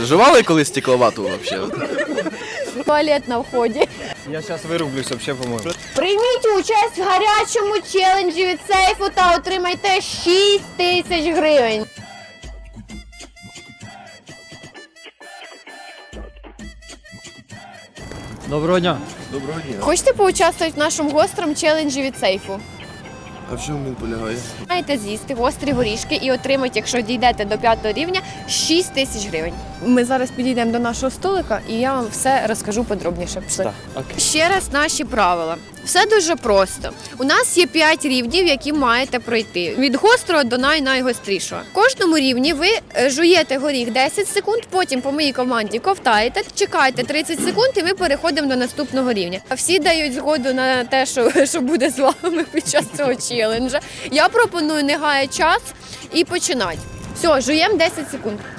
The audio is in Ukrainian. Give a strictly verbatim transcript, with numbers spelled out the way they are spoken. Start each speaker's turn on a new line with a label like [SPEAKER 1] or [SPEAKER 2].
[SPEAKER 1] Жували колись стекловату взагалі?
[SPEAKER 2] Туалет на вході.
[SPEAKER 3] Я зараз вирублюсь, взагалі, по-моєму.
[SPEAKER 2] Прийміть участь в гарячому челенджі від сейфу та отримайте шість тисяч гривень.
[SPEAKER 3] Доброго дня.
[SPEAKER 1] Доброго дня.
[SPEAKER 2] Хочете поучаствувати в нашому гострому челенджі від сейфу?
[SPEAKER 1] А в чому він полягає?
[SPEAKER 2] Маєте з'їсти гострі горішки і отримати, якщо дійдете до п'ятого рівня, шість тисяч гривень. Ми зараз підійдемо до нашого столика і я вам все розкажу подробніше. Пішли.
[SPEAKER 3] Так, окей.
[SPEAKER 2] Ще раз наші правила. Все дуже просто. У нас є п'ять рівнів, які маєте пройти. Від гострого до най-найгострішого. В кожному рівні ви е, жуєте горіх десять секунд, потім по моїй команді ковтаєте, чекаєте тридцять секунд і ми переходимо до наступного рівня. А всі дають згоду на те, що, що буде з вами під час цього челенджа. Я пропоную не гаяти час і починати. Все, жуємо десять секунд.